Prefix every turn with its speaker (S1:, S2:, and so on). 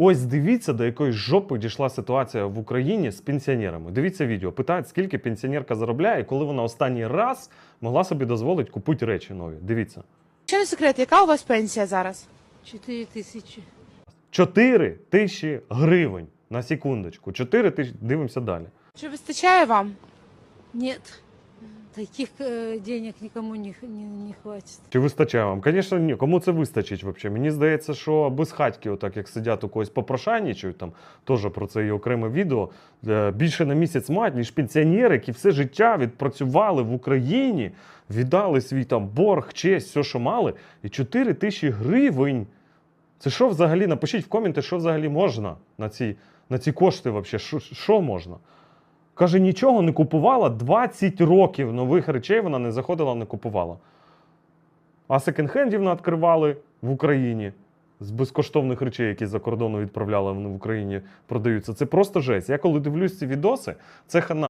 S1: Ось дивіться, до якої жопи дійшла ситуація в Україні з пенсіонерами. Дивіться відео. Питають, скільки пенсіонерка заробляє, і коли вона останній раз могла собі дозволити купити речі нові. Дивіться.
S2: Що не секрет, яка у вас пенсія зараз?
S3: 4 тысячи.
S1: 4 тисячі гривень. На секундочку. 4 тисячі. Дивимося далі.
S2: Чи вистачає вам?
S3: Нет, таких денег никому не хватит.
S1: Чи вистачає вам? Звісно, ні. Кому це вистачить взагалі? Мені здається, що без хатьки, отак як сидять у когось попрошайничають, там теж про це є окреме відео, більше на місяць мають, ніж пенсіонери, які все життя відпрацювали в Україні, віддали свій там борг, честь, все, що мали, і 4 тисячі гривень. Це що взагалі? Напишіть в коменти, що взагалі можна на ці кошти взагалі, що можна? Каже, нічого не купувала, 20 років нових речей вона не заходила, не купувала. А секонд-хендів відкривали в Україні з безкоштовних речей, які за кордону відправляли, вони в Україні продаються. Це просто жесть. Я коли дивлюсь ці відоси, це хана.